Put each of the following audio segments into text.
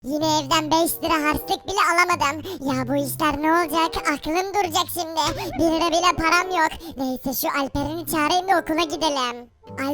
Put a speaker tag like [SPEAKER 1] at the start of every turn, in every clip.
[SPEAKER 1] Yine evden 5 lira harçlık bile alamadım. Ya bu işler ne olacak? Aklım duracak şimdi. 1 lira bile param yok. Neyse şu Alperen'i çağırayım da okula gidelim.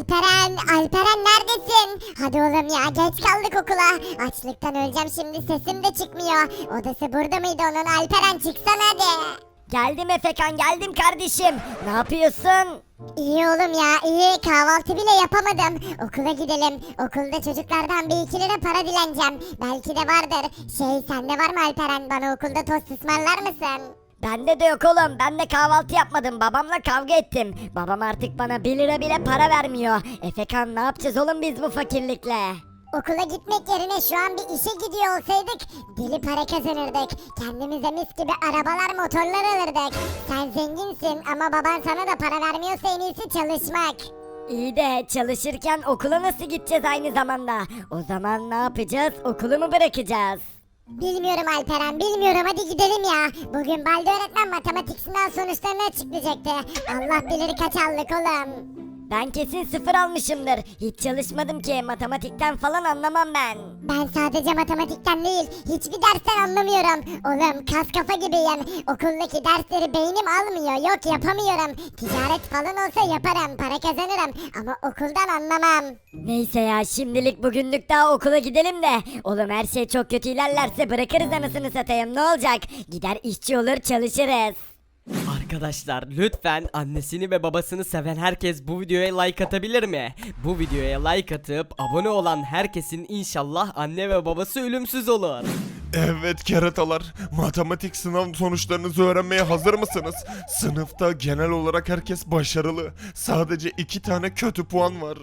[SPEAKER 1] Alperen neredesin? Hadi oğlum ya geç kaldık okula. Açlıktan öleceğim şimdi sesim de çıkmıyor. Odası burada mıydı onun? Alperen çıksana hadi.
[SPEAKER 2] Geldim Efekan, geldim kardeşim. Ne yapıyorsun?
[SPEAKER 1] İyi oğlum ya iyi kahvaltı bile yapamadım. Okula gidelim. Okulda çocuklardan 1-2 lira para dileneceğim. Belki de vardır. Sende var mı Alperen? Bana okulda tost ısmarlar mısın?
[SPEAKER 2] Bende de yok oğlum. Ben de kahvaltı yapmadım. Babamla kavga ettim. Babam artık bana 1 lira bile para vermiyor. Efekan ne yapacağız oğlum biz bu fakirlikle?
[SPEAKER 1] Okula gitmek yerine şu an bir işe gidiyor olsaydık deli para kazanırdık. Kendimize mis gibi arabalar motorlar alırdık. Sen zenginsin ama baban sana da para vermiyorsa en iyisi çalışmak.
[SPEAKER 2] İyi de çalışırken okula nasıl gideceğiz aynı zamanda? O zaman ne yapacağız? Okulu mu bırakacağız?
[SPEAKER 1] Bilmiyorum Alperen bilmiyorum hadi gidelim ya. Bugün Balde öğretmen matematik sınav sonuçlarını açıklayacaktı. Allah bilir kaç aldık oğlum.
[SPEAKER 2] Ben kesin 0 almışımdır. Hiç çalışmadım ki. Matematikten falan anlamam ben.
[SPEAKER 1] Ben sadece matematikten değil, hiçbir dersten anlamıyorum. Oğlum kas kafa gibiyim. Okuldaki dersleri beynim almıyor, yok yapamıyorum. Ticaret falan olsa yaparım, para kazanırım. Ama okuldan anlamam.
[SPEAKER 2] Neyse ya şimdilik bugünlük daha okula gidelim de. Oğlum her şey çok kötü ilerlerse bırakırız anasını satayım ne olacak? Gider işçi olur çalışırız.
[SPEAKER 3] Arkadaşlar lütfen annesini ve babasını seven herkes bu videoya like atabilir mi? Bu videoya like atıp abone olan herkesin inşallah anne ve babası ölümsüz olur.
[SPEAKER 4] Evet keratalar, matematik sınav sonuçlarınızı öğrenmeye hazır mısınız? Sınıfta genel olarak herkes başarılı. Sadece 2 tane kötü puan var.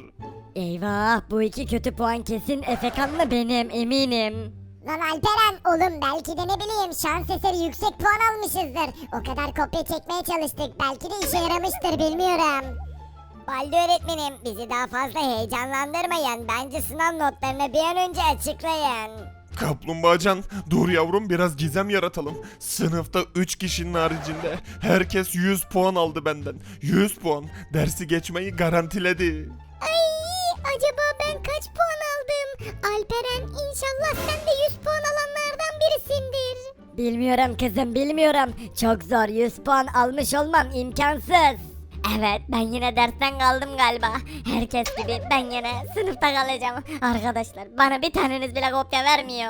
[SPEAKER 2] Eyvah bu 2 kötü puan kesin Efekan'la benim eminim.
[SPEAKER 1] Lan Alperen oğlum belki de ne bileyim şans eseri yüksek puan almışızdır. O kadar kopya çekmeye çalıştık belki de işe yaramıştır bilmiyorum.
[SPEAKER 2] Balde öğretmenim bizi daha fazla heyecanlandırmayın. Bence sınav notlarını bir an önce açıklayın.
[SPEAKER 4] Kaplumbağacan, dur yavrum biraz gizem yaratalım. Sınıfta 3 kişinin haricinde herkes 100 puan aldı benden. 100 puan, dersi geçmeyi garantiledi.
[SPEAKER 1] Acaba ben kaç puan aldım? Alperen inşallah sen de 100 puan alanlardan birisindir.
[SPEAKER 2] Bilmiyorum kızım bilmiyorum. Çok zor 100 puan almış olmam imkansız. Evet ben yine dersten kaldım galiba. Herkes gibi ben yine sınıfta kalacağım. Arkadaşlar bana bir taneniz bile kopya vermiyor.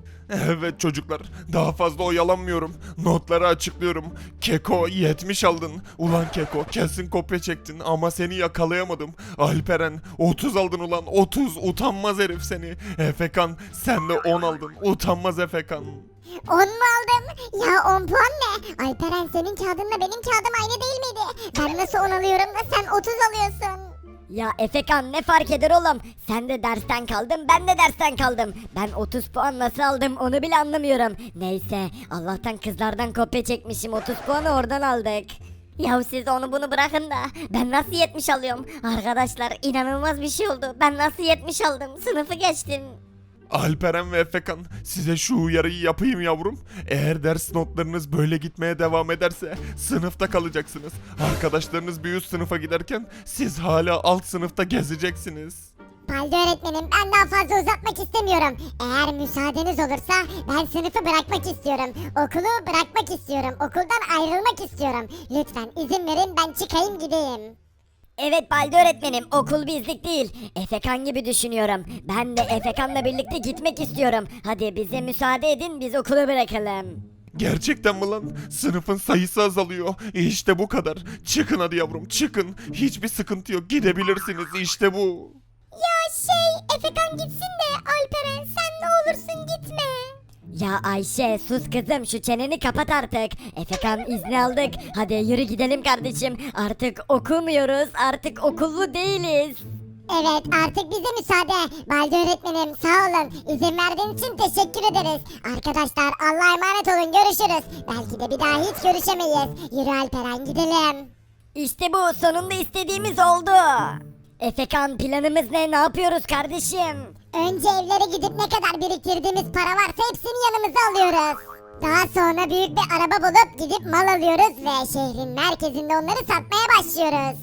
[SPEAKER 4] Evet çocuklar, daha fazla oyalanmıyorum. Notları açıklıyorum. Keko 70 aldın. Ulan Keko kesin kopya çektin ama seni yakalayamadım. Alperen 30 aldın ulan 30 utanmaz herif seni. Efekan sen de 10 aldın. Utanmaz Efekan.
[SPEAKER 1] 10 mu aldım? Ya 10 puan ne? Alperen senin kağıdınla benim kağıdım aynı değil miydi? Ben nasıl 10 alıyorum da sen 30 alıyorsun?
[SPEAKER 2] Ya Efekan ne fark eder oğlum? Sen de dersten kaldın ben de dersten kaldım. Ben 30 puan nasıl aldım onu bile anlamıyorum. Neyse Allah'tan kızlardan kopya çekmişim 30 puanı oradan aldık. Ya siz onu bunu bırakın da ben nasıl 70 alıyorum? Arkadaşlar inanılmaz bir şey oldu. Ben nasıl 70 aldım? Sınıfı geçtim.
[SPEAKER 4] Alperen ve Efekan size şu uyarıyı yapayım yavrum. Eğer ders notlarınız böyle gitmeye devam ederse sınıfta kalacaksınız. Arkadaşlarınız bir üst sınıfa giderken siz hala alt sınıfta gezeceksiniz.
[SPEAKER 1] Balde öğretmenim ben daha fazla uzatmak istemiyorum. Eğer müsaadeniz olursa ben sınıfı bırakmak istiyorum. Okulu bırakmak istiyorum. Okuldan ayrılmak istiyorum. Lütfen izin verin ben çıkayım gideyim.
[SPEAKER 2] Evet Balde öğretmenim okul bizlik değil. Efekan gibi düşünüyorum. Ben de Efekan'la birlikte gitmek istiyorum. Hadi bize müsaade edin biz okulu bırakalım.
[SPEAKER 4] Gerçekten mi lan? Sınıfın sayısı azalıyor. İşte bu kadar. Çıkın hadi yavrum çıkın. Hiçbir sıkıntı yok. Gidebilirsiniz işte bu.
[SPEAKER 1] Ya Efekan gitsin de Alperen sen ne olursun gitme.
[SPEAKER 2] Ya Ayşe sus kızım şu çeneni kapat artık. Efekan izni aldık. Hadi yürü gidelim kardeşim. Artık okumuyoruz. Artık okullu değiliz.
[SPEAKER 1] Evet artık bize müsaade. Balde öğretmenim sağ olun. İzin verdiğiniz için teşekkür ederiz. Arkadaşlar Allah'a emanet olun görüşürüz. Belki de bir daha hiç görüşemeyiz. Yürü Alperen gidelim.
[SPEAKER 2] İşte bu sonunda istediğimiz oldu. Efekan planımız ne? Ne yapıyoruz kardeşim?
[SPEAKER 1] Önce evlere gidip ne kadar biriktirdiğimiz para varsa hepsini yanımıza alıyoruz. Daha sonra büyük bir araba bulup gidip mal alıyoruz ve şehrin merkezinde onları satmaya başlıyoruz.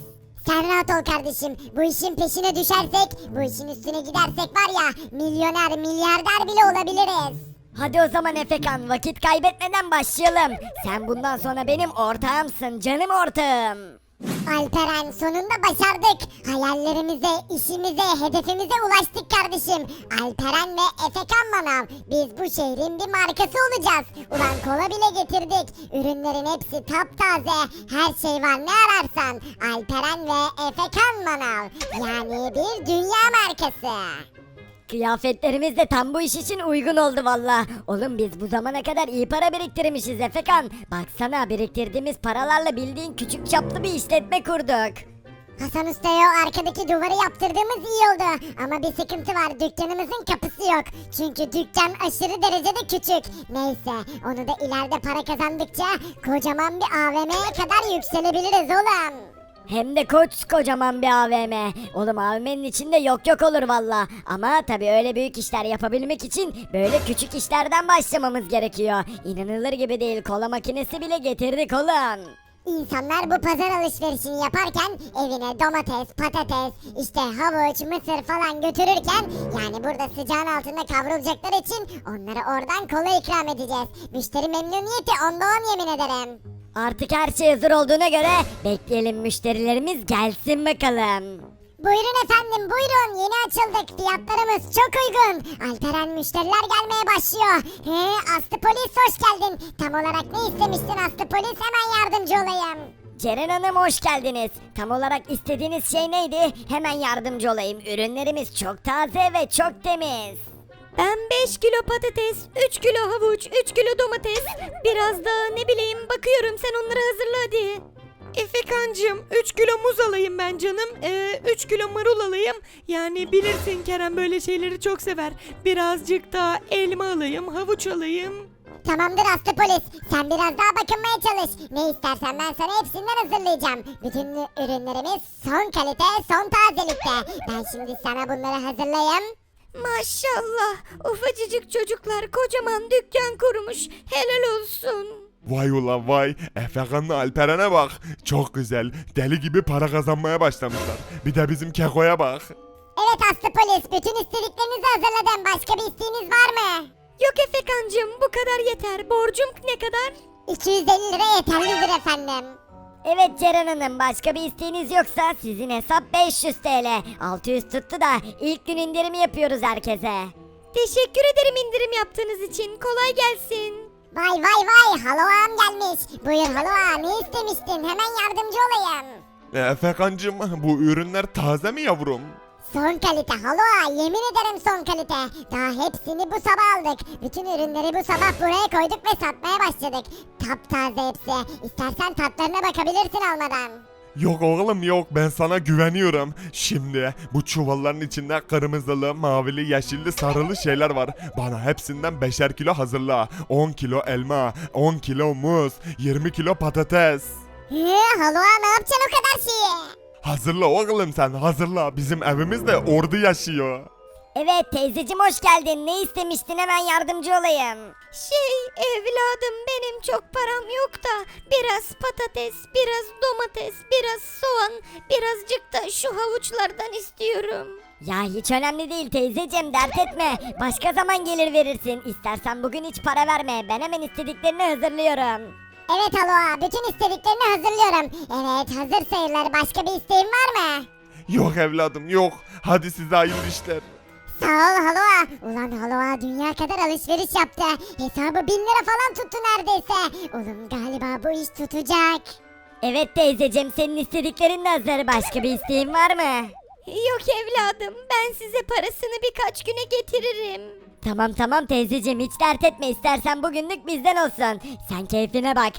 [SPEAKER 1] Sen rahat ol kardeşim. Bu işin peşine düşersek, bu işin üstüne gidersek var ya milyoner, milyarder bile olabiliriz.
[SPEAKER 2] Hadi o zaman Efekan, vakit kaybetmeden başlayalım. Sen bundan sonra benim ortağımsın, canım ortağım.
[SPEAKER 1] Alperen sonunda başardık. Hayallerimize, işimize, hedefimize ulaştık kardeşim. Alperen ve Efekan Manav. Biz bu şehrin bir markası olacağız. Ulan kola bile getirdik. Ürünlerin hepsi taptaze. Her şey var ne ararsan. Alperen ve Efekan Manav. Yani bir dünya markası.
[SPEAKER 2] Kıyafetlerimiz de tam bu iş için uygun oldu valla. Oğlum biz bu zamana kadar iyi para biriktirmişiz Efekan. Baksana, biriktirdiğimiz paralarla bildiğin küçük çaplı bir işletme kurduk.
[SPEAKER 1] Hasan Usta'ya o arkadaki duvarı yaptırdığımız iyi oldu. Ama bir sıkıntı var, dükkanımızın kapısı yok. Çünkü dükkan aşırı derecede küçük. Neyse, onu da ileride para kazandıkça kocaman bir AVM'ye kadar yükselebiliriz oğlum.
[SPEAKER 2] Hem de kocaman bir AVM. Oğlum AVM'nin içinde yok olur valla. Ama tabii öyle büyük işler yapabilmek için böyle küçük işlerden başlamamız gerekiyor. İnanılır gibi değil, kola makinesi bile getirdik oğlum.
[SPEAKER 1] İnsanlar bu pazar alışverişini yaparken evine domates, patates, işte havuç, mısır falan götürürken yani burada sıcağın altında kavrulacakları için onlara oradan kola ikram edeceğiz. Müşteri memnuniyeti onda 10 yemin ederim.
[SPEAKER 2] Artık her şey hazır olduğuna göre bekleyelim, müşterilerimiz gelsin bakalım.
[SPEAKER 1] Buyurun efendim buyurun, yeni açıldık, fiyatlarımız çok uygun. Alperen, müşteriler gelmeye başlıyor. Aslı polis hoş geldin. Tam olarak ne istemiştin Aslı polis, hemen yardımcı olayım.
[SPEAKER 2] Ceren Hanım hoş geldiniz. Tam olarak istediğiniz şey neydi? Hemen yardımcı olayım. Ürünlerimiz çok taze ve çok temiz.
[SPEAKER 5] Ben 5 kilo patates, 3 kilo havuç, 3 kilo domates, biraz da ne bileyim bakıyorum, sen onları hazırla hadi. Efekancığım 3 kilo muz alayım ben canım. 3 kilo marul alayım. Yani bilirsin Kerem böyle şeyleri çok sever. Birazcık da elma alayım, havuç alayım.
[SPEAKER 1] Tamamdır Aslı polis, sen biraz daha bakınmaya çalış. Ne istersen ben sana hepsinden hazırlayacağım. Bütün ürünlerimiz son kalite, son tazelikte. Ben şimdi sana bunları hazırlayayım.
[SPEAKER 5] Maşallah, ufacıcık çocuklar kocaman dükkan kurmuş. Helal olsun.
[SPEAKER 4] Vay ulan vay. Efekan'la Alperen'e bak. Çok güzel. Deli gibi para kazanmaya başlamışlar. Bir de bizim Keko'ya bak.
[SPEAKER 1] Evet Aslı polis, bütün istediklerinizi hazırladım. Başka bir isteğiniz var mı?
[SPEAKER 5] Yok Efekancığım, bu kadar yeter. Borcum ne kadar?
[SPEAKER 1] 250 lira yeterlidir efendim.
[SPEAKER 2] Evet Ceren Hanım, başka bir isteğiniz yoksa sizin hesap 500 TL. 600 tuttu da ilk gün indirimi yapıyoruz herkese.
[SPEAKER 5] Teşekkür ederim indirim yaptığınız için. Kolay gelsin.
[SPEAKER 1] Vay vay vay, halo ağam gelmiş. Buyur halo ağa, ne istemiştin? Hemen yardımcı olayım.
[SPEAKER 4] Efekancığım bu ürünler taze mi yavrum?
[SPEAKER 1] Son kalite halo ağa, yemin ederim son kalite. Daha hepsini bu sabah aldık. Bütün ürünleri bu sabah buraya koyduk ve satmaya başladık. Taptaze hepsi. İstersen tatlarına bakabilirsin almadan.
[SPEAKER 4] Yok oğlum yok, ben sana güveniyorum. Şimdi bu çuvalların içinde kırmızılı, mavili, yeşilli, sarılı şeyler var. Bana hepsinden 5'er kilo hazırla. 10 kilo elma, 10 kilo muz, 20 kilo patates.
[SPEAKER 1] Halo ağa, ne yapacaksın o kadar şeyi?
[SPEAKER 4] Hazırla oğlum sen, hazırla. Bizim evimizde ordu yaşıyor.
[SPEAKER 2] Evet teyzeciğim hoş geldin. Ne istemiştin, hemen yardımcı olayım.
[SPEAKER 5] Evladım benim çok param yok da biraz patates, biraz domates, biraz soğan, birazcık da şu havuçlardan istiyorum.
[SPEAKER 2] Ya hiç önemli değil teyzeciğim, dert etme. Başka zaman gelir verirsin. İstersen bugün hiç para verme. Ben hemen istediklerini hazırlıyorum.
[SPEAKER 1] Evet halo ağa, bütün istediklerini hazırlıyorum. Evet, hazır sayılır. Başka bir isteğin var mı?
[SPEAKER 4] Yok evladım yok. Hadi size hayırlı işler.
[SPEAKER 1] Sağ ol halo ağa. Ulan halo ağa dünya kadar alışveriş yaptı. Hesabı 1000 lira falan tuttu neredeyse. Oğlum galiba bu iş tutacak.
[SPEAKER 2] Evet teyzeciğim, senin istediklerin de hazır. Başka bir isteğin var mı?
[SPEAKER 5] Yok evladım, ben size parasını birkaç güne getiririm.
[SPEAKER 2] Tamam teyzeciğim, hiç dert etme. İstersen bugünlük bizden olsun. Sen keyfine bak.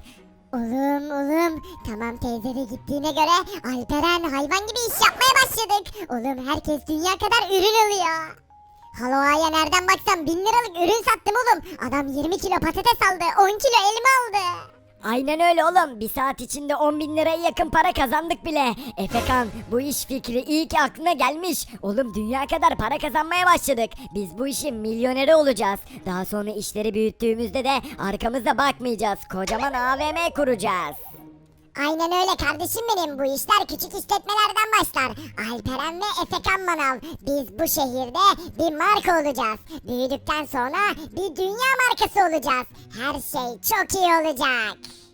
[SPEAKER 1] Oğlum. Tamam teyze de gittiğine göre Alperen hayvan gibi iş yapmaya başladık. Oğlum herkes dünya kadar ürün alıyor. Halo ağaya nereden baksan 1000 liralık ürün sattım oğlum. Adam 20 kilo patates aldı, 10 kilo elma aldı.
[SPEAKER 2] Aynen öyle oğlum. Bir saat içinde 10.000 liraya yakın para kazandık bile. Efekan, bu iş fikri iyi ki aklına gelmiş. Oğlum dünya kadar para kazanmaya başladık. Biz bu işin milyoneri olacağız. Daha sonra işleri büyüttüğümüzde de arkamıza bakmayacağız. Kocaman AVM kuracağız.
[SPEAKER 1] Aynen öyle kardeşim benim. Bu işler küçük işletmelerden başlar. Alperen ve Efekan Manav. Biz bu şehirde bir marka olacağız. Büyüdükten sonra bir dünya markası olacağız. Her şey çok iyi olacak.